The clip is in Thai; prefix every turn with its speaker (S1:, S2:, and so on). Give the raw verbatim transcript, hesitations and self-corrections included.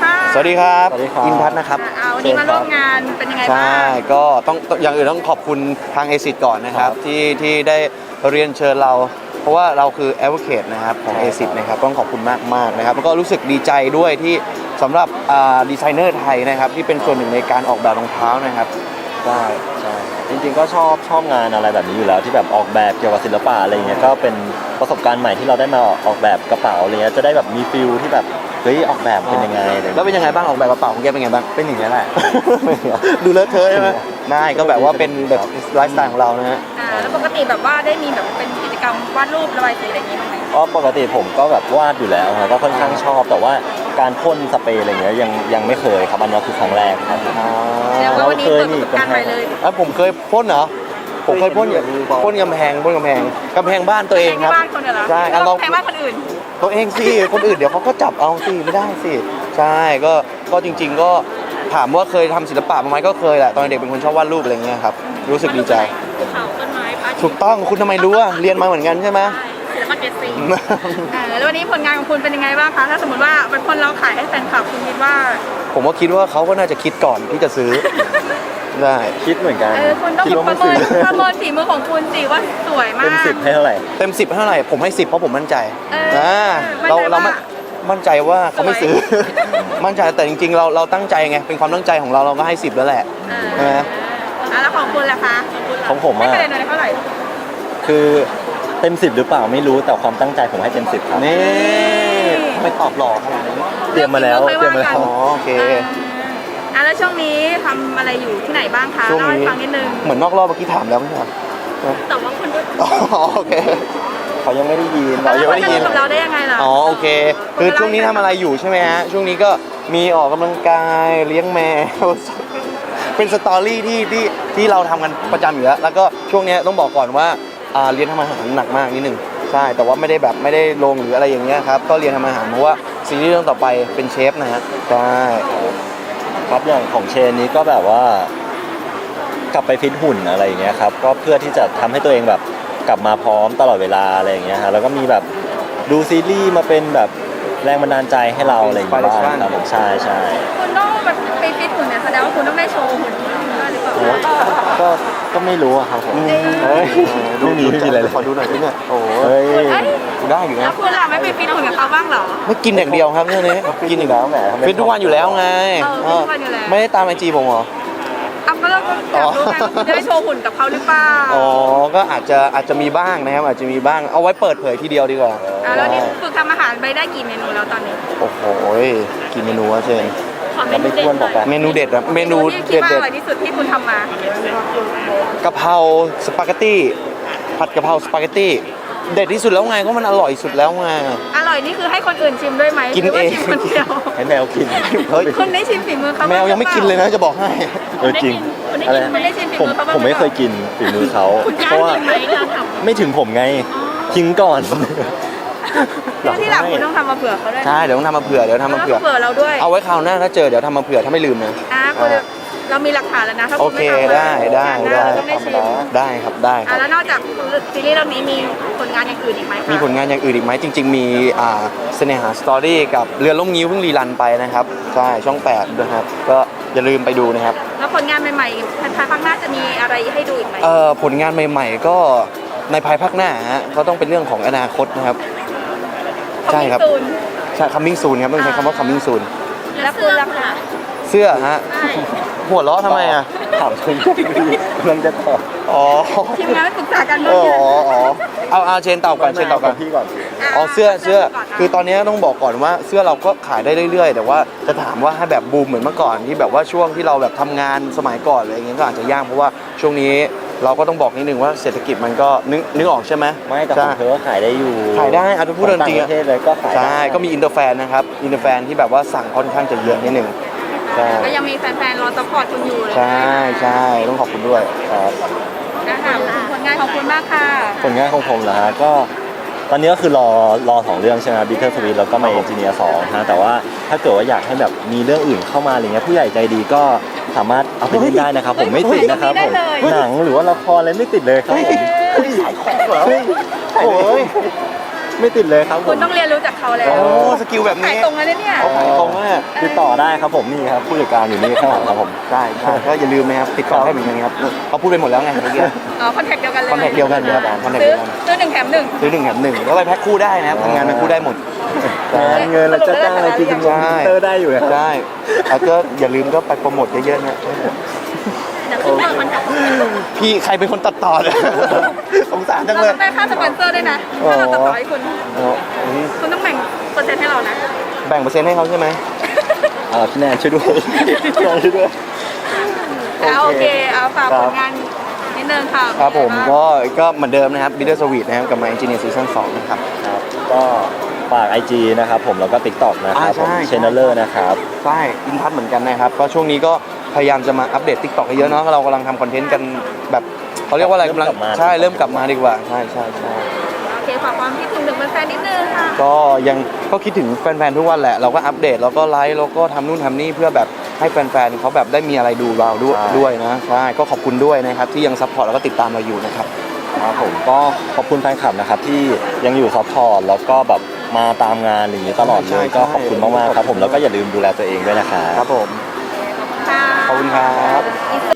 S1: ค่ะ
S2: สวัสดีครับ
S3: สวัสดีครับ
S2: อินทัศน์นะครับ
S1: อ่าวันนี้มาร่วมงานเป็นยังไงบ้าง
S2: ใช่ก็ต้องอย่างอื่นต้องขอบคุณทางเอซิดก่อนนะครับที่ที่ได้เรียนเชิญเรา เพราะว่าเราคือ advocate นะครับของ เอซิด นะครับต้องขอบคุณมากมากๆนะครับแล้วก็รู้สึกดีใจด้วยที่สำหรับดีไซเนอร์ไทยนะครับที่เป็นส่วนหนึ่งในการออกแบบรองเท้านะครับ
S3: ได้ใช่จริงๆก็ชอบชอบงานอะไรแบบนี้อยู่แล้วที่แบบออกแบบเกี่ยวกับศิลปะอะไรเงี้ยก็เป็นประสบการณ์ใหม่ที่เราได้มาออกแบบกระเป๋าอะไรเงี้ยจะได้แบบมีฟิลที่แบบเฮ้ยออกแบบเป็นยังไงอะไร
S2: แล้วเป็นยังไงบ้างออกแบบกระเป๋าของแกเป็นยังไงบ้างเป็นอย่างนี้แหละ ดูเลอะเทอะใช่ไหมไม่ก็แบบว่าเป็นแบบไลฟ์สไตล์ของเรานะฮะ
S1: อ่าแล้วปกติแบบว่าได้มีแบบเป็นกิจกรรมวาดรูประบายสีอะไรอย่างงี้บ้างไหม
S3: ก็ปกติผมก็แบบวาดอยู่แล้วครับก็ค่อนข้างชอบแต่ว่าการพ่นสเปรย์อะไรเงี้ยยังยังไม่เคยครับอันนี้คือครั้งแรกครับ
S1: แล้วก็วันนี้เปิดประสบการณ์ใหม่เลย
S2: อ่ะผมเคยพ่นเหรอผมเคยพ่นพ่นกำแพงพ่นกำแพงกำแพงบ้านตัวเองครับ
S1: แพงบ้านคนเหรอ
S2: ใช่อ่ะลอง
S1: แพงบ้านคนอื่น
S2: ตัวเองสิคนอื่นเดี๋ยวเขาก็จับเอาสิไม่ได้สิใช่ก็ก็จริง ๆ ก็ถามว่าเคยทำศิลปะมาไหมก็เคยแหละตอนเด็กเป็นคนชอบวาดรูปอะไรเงี้ยครับรู้สึกดีใจ
S1: ภูเขาต้นไม้พระอาทิตย์
S2: ถูกต้องคุณทำไมรู้อ่ะเรียนมาเหมือนกันใช่ไหม
S1: ศิลปะเกรดสีอ่าแล้ววันนี้ผลงานของคุณเป็นยังไงบ้างคะถ้าสมมติว่าเป็นคนเราขายให้แฟนคลับคุณคิดว่า
S2: ผมก็คิดว่าเขาก็น่าจะคิดก่อนที่จะซื้อ ได้
S3: คิดเหมือนกัน
S1: เออคุณต้อง
S3: คิดว่า
S1: ป
S3: ไม่
S1: ระเมิ
S3: ซื้อน
S1: ประเมินฝีมือของคุณสิว่าสวยมาก
S3: เต็มสิบให้เท่าไหร่
S2: เต็มสิบเท่าไหร่ผมให้สิบเพราะผมมั่นใจ
S1: เอออ่
S2: าเราเราไม่มั่นใจว่าเขาไม่ซื้อ
S1: สวย
S2: มั่นใจแต่จริงๆ เราเราตั้งใจไงเป็นความตั้งใจของเราเราก็ให้สิบแล้วแหละ
S1: เออ
S2: ใช่ไหม
S1: อ่ะแล้วของคุณล่ะคะ
S3: ของผม
S1: ให้
S3: อะ
S1: คะแนนหน่อยเท่าไหร่
S3: คือเต็มสิบหรือเปล่าไม่รู้แต่ความตั้งใจผมให้เต็มสิบครับ
S2: นี่ไม่ตอบหลอกขนาดนี้
S3: เตรียมมาแล้ว
S1: เรื่องฝีมือค่อยว่ากัน
S3: เตรียมมาแล้ว
S2: อ๋อโอเค
S1: เอออ่ะแล้วช่วงนี้ทำอะไรอยู่ที่ไหนบ้างคะ
S2: ช่วง
S1: เล่าให้
S2: นี้
S1: ฟังนิดนึง
S2: เหมือนนอกรอบเมื่อกี้ถามแล้วไม่ใช่เหรอ
S1: แต่ว่าคุณก็
S2: อ๋อโอเค
S3: เขายังไม่ได้ยิน
S2: เรายังไม่ได้ยิน
S1: แล้วคุณจะรู้กับเราได้ยังไงล่ะ
S2: อ๋อโอเค คือช่วงนี้ทำอะไรอยู่ใช่ไหมฮะช่วงนี้ก็มีออกกำลังกายเลี้ยงแมว เป็นสตอรี่ที่ที่ที่เราทำกันประจำอยู่แล้วแล้วก็ช่วงนี้ต้องบอกก่อนว่าอ่าเรียนทำอาหารหนักมากนิดนึงใช่แต่ว่าไม่ได้แบบไม่ได้ลงหรืออะไรอย่างเงี้ยครับก็เรียนทำอาหารเพราะว่าซีรีส์เรื่องต่อไปเป็นเชฟนะฮะใช่
S3: ครับอย่างของเชนนี้ก็แบบว่า กลับไปฟิตหุ่นอะไรอย่างเงี้ยครับก็เพื่อที่จะทำให้ตัวเองแบบกลับมาพร้อมตลอดเวลาอะไรอย่างเงี้ยฮะแล้วก็มีแบบดูซีรีส์มาเป็นแบบแรงบันดาลใจให้เราอะไรอย่างเงี้ยบ้างครับผมใช่ใช่
S1: คุณต้องแบบไปฟิตหุ่นเนี่ยแสดงว่าคุณต้องได้โชว์หุ่นด้วยหรือเปล่า
S3: โอ้ก็ก็ไม่รู้อะครับผม
S2: เฮ้ย
S3: ไม่มีไม่มีอะไรเลย
S2: ขอดูหน่อยสิเนี่ยโอ้
S3: เฮ้ย
S1: เอ้ย
S2: ได้อยู่
S1: แล้
S2: นะ
S1: วคุณล่ะไม่ไปฟิตหุ่นกับเขาบ้างเหรอ
S2: ไม่กินอย่างเดียวครับเรื่องนี้กินอย่างเดียว
S3: แหมทำไม
S2: ฟิตทุกวันอยู่แล้วไง
S1: เออฟิตทุกวันอยู่แล้ว
S2: ไม่ได้ตามไอจีผมเหรอ
S1: อ่ะก็เราก็อยากรู้ไงว่าคุณจะได้โชว์หุ่นกับเขาหรือเปล่า
S2: อ๋อ ก็อาจจะอาจจะมีบ้างนะครับอาจจะมีบ้าง เอาไว้เปิดเผยทีเดียวดีกว่า
S1: อ่ะแล้วนี่ฝึกทำอาหารไปได้กี่เมนูแล้วตอนนี้
S2: โอ้โหกี่เมนูวะเชน
S1: ขอเม
S3: เรา
S1: นู
S3: ไม่
S1: เด็ด
S3: ควร
S1: ห
S3: บ
S1: น่
S3: อก
S1: อย
S3: กัน
S2: เมนูเด็ดอะเมนู
S1: ที่คิด
S2: เด็ด
S1: ว่าอ
S2: เด็ด
S1: ร่อยที่สุดที่คุณทำมา
S2: กะเพราสปาเกตตี้ผัดกะเพราสปาเกตตี้เด็ดที่สุดแล้วไงก็มันอร่อยสุดแล้วไง
S1: อร่อยนี่คือให้คนอื่นชิมด้วยไหม
S2: กิน
S1: หรือว่า
S2: เอง
S1: ชิมคนเดียว
S3: ให้แมวกิน
S2: เฮ้ย
S1: คุณได้ชิมฝีมือเขา
S2: แมวยังไม่กินเลยนะจะบอกให้
S3: เออจริง
S1: คุณได้
S3: อะไร
S1: กินคุณได้ชิมฝี
S3: ผม
S1: มือเขาบ้าง
S3: ผมไม่เคยกินฝีมือเขา
S1: คุณกล้า
S3: เพราะว่า
S1: กินไหมเราทำ
S3: ไม่ถึงผมไงทิ้งก่อน
S1: แล้วที่หลังคุณต้องทำมาเผื่อเขาด้วย
S2: ใช่เดี๋ยวต้องทำมาเผื่อเดี๋ยวทำมาเผื่อ
S1: เผื่อเราด้วย
S2: เอาไว้คราวหน้าถ้าเจอเดี๋ยวทำมาเผื่อถ้าไม่ลืมนะ
S1: อ่ะคุณเรามีหลักฐานแล้วนะถ้า
S2: โอ
S1: คุณ
S2: เค
S1: ไม่ทำ
S2: ได้ได้
S1: ได้
S2: ได้
S1: ต้องได้ชิม
S2: ได้ครับได้ค
S1: อ่ะ
S2: รับ
S1: แล้วนอกจากซีรีส์เรื่องนี้มีผลงานอย่างอื่นอีกไหมคะ
S2: มีผลงานอย่างอื่นอีกไหมจริง ๆ มีอ่าเสน่หาสตอรี่กับเรือล่มงิ้วเพิ่งรีรันไปนะครับใช่ช่องแปดนะครับก็อย่าลืมไปดูนะครับ
S1: แล้วผลงานใหม่ๆภายภาคหน้าจะมีอะไรให้ดูอีกไหม
S2: เอ่อผลงานใหม่ๆก็ในภายภาคหน้าฮะก็ต้องเป็นเรื่องของอนาคตนะครับ ใช่ครับ
S1: ขอบณ
S2: ใช่ coming soon ครับต้องใช้คำว่า coming soon
S1: แล้วคุณล่ะคะ
S2: เสื้อฮะ
S1: ใช่
S2: หัวเราะทำไมอ่ะ
S3: ถามคุณกำลังจะตอบ
S2: อ๋อ
S1: ทีมงานไม่ปรึกษากัน
S2: อ๋
S1: เมื่
S2: อ
S1: อกี้
S2: อ๋อเอาเอาเชนตอบก่อนเชนตอบก่อน
S3: พี่ก่อน
S2: อ๋อเสื้อเสื้อคือตอนนี้ต้องบอกก่อนว่าเสื้อเราก็ขายได้เรื่อยๆ แต่ว่าจะถามว่าให้แบบบูมเหมือนเมื่อก่อนที่แบบว่าช่วงที่เราแบบทำงานสมัยก่อนอะไรอย่างเงี้ยก็อาจจะยากเพราะว่าช่วงนี้เราก็ต้องบอกนิดนึงว่าเศรษฐกิจมันก็นึกนึกออกใช่ไหม
S3: ไม่แต่ข
S2: ใช่
S3: องเธอก็ขายได้อยู่
S2: ขายได้เอาถ้าพูดจริงๆ
S3: ต่างประเทศเลยก็ขายได้
S2: ใช่ก็มีอินเตอร์แฟนนะครับอินเตอร์แฟนที่แบบว่าสั่งค่อนข้างจะเยอะนิดนึงใช่
S1: ก็ยังมีแฟนๆรอซัพพอร์ตคุณอยู่เลย
S2: ใช่ใช่ต้องขอบคุณด้วยครับ
S1: นะคะผลงานของคุณมากค่ะ
S3: ผลงานของผมเหรอฮะก็ตอนนี้ก็คือรอรอสองเรื่องใช่ไหมบิทเทอร์สวีทแล้วก็มาเอนจิเนียร์สองฮะแต่ว่าถ้าเกิดว่าอยากให้แบบมีเรื่องอื่นเข้ามาอะไรเงี้ยผู้ใหญ่ใจดีก็สามารถเอาไปเล่นได้นะครับผมไม่ติดนะครับผมหนังหรือว่าละครอะไรไม่ติดเลยครับผม
S2: โอ้ย
S3: ไม่ติดเลยครับผ
S1: คุณ
S3: ม
S1: ต้องเรียนรู้จากเขาแล้ว
S2: โอ้สกิลแบบ
S1: ขา
S2: นี้
S1: ยตรงแล้วเนี่ย
S2: เขาขายตรงมาก
S3: ติดต่อได้ครับผมนี่ครับผู้จัดการอยู่นี่ข้างหลังครับผม
S2: ใช่ใช่ก็อย่าลืมนะครับติดต่อให้เหมือนกันครับเขาพูดไปหมดแล้วไงเมื่อกี้
S1: อ๋อคอนแทคเดียวกันเลย
S2: คอนแทคเดียวกันครับคอนแทค
S1: ซื้
S2: เดี
S1: อ
S2: ยวกัน
S1: ซื้อหนึ่งแถมหนึ่ง
S2: ซื้อหนึ่งแถมหนึ่งแล้วไปแพ็คคู่ได้นะครับทำงานเป็นคู่ได้หมด
S3: งานเงินเราจะจ้างอะไรกิน
S2: ใช่
S3: เตอร์ได้อยู่นะครับ
S2: ใช่แล้วก็อย่าลืมก็ไปโปรโมทเยอะๆนะ
S1: เดี๋ยวขึ้นมาคอนแทค
S2: พี่ใครเป็นคนตัดต่อเนี่ยสงสารจัง
S1: เรา
S2: เลย
S1: ต้องได้ค่าสปอนเซอร์ด้วยนะถ้าเราตัดต่อให้คุณ
S2: อ๋ออืม
S1: คุณต้องแบ่งเปอร์เซ็นต์ให้เรานะ
S2: แบ่งเปอร์เซ็นต์ให้เขาใช่ไหม
S3: อ่าพี่แนนช่วยด้วยพี่แนนช่วยด้วย
S1: เอาโอเคเอาฝาก
S3: ครั
S1: ผ
S3: บ
S1: ลงานนิดนึงค่ะ
S2: ครับผม
S1: เป็นไงาง
S2: ก็ก็เหมือนเดิมนะครับ Bitter Sweet นะครับกับ My Engineer Season สองนะครับ
S3: ครับก็ฝาก ไอ จี นะครับผมแล้วก็ TikTok นะครับ
S2: อ่า
S3: ผม
S2: ใช่
S3: เชนเลอร์นะครับ
S2: ใช่อินทัศน์เหมือนกันนะครับก็ช่วงนี้ก็พยายามจะมาอัปเดต TikTok ให้เยอะเนาะเรากำลังทำคอนเทนต์กันแบบเขาเรียกว่าอะไรกำลัง
S3: เริ่มกลับมา
S2: ใช่เริ่มกลับมาดีกว่าใช่ใช่ใช่
S1: โอเคฝากความคิดถึงถึงแฟนๆนิดนึงค่ะ
S2: ก็ยังก็คิดถึงแฟนๆทุกวันแหละเราก็อัปเดตแล้วก็ไลฟ์แล้วก็ทำนู่นทำนี่เพื่อแบบให้แฟนๆเขาแบบได้มีอะไรดูเราด้วยด้วยนะใช่ก็ขอบคุณด้วยนะครับที่ยังซัพพอร์ตแล้วก็ติดตามเราอยู่นะครับ
S3: ครับผมก็ขอบคุณแฟนคลับนะครับที่ยังอยู่ซัพพอร์ตแล้วก็แบบมาตามงานอย่างนี้ตลอดเล
S2: ใช่
S3: ย
S2: ใช่
S3: ก็ขอบคุณมากๆครับผมแล้วก็อย่าลืมดูแลตัวเองด้วยนะครับ
S2: ครับผม
S1: ขอบคุณค่ะ
S2: ขอบคุณครับ
S1: อินเสิ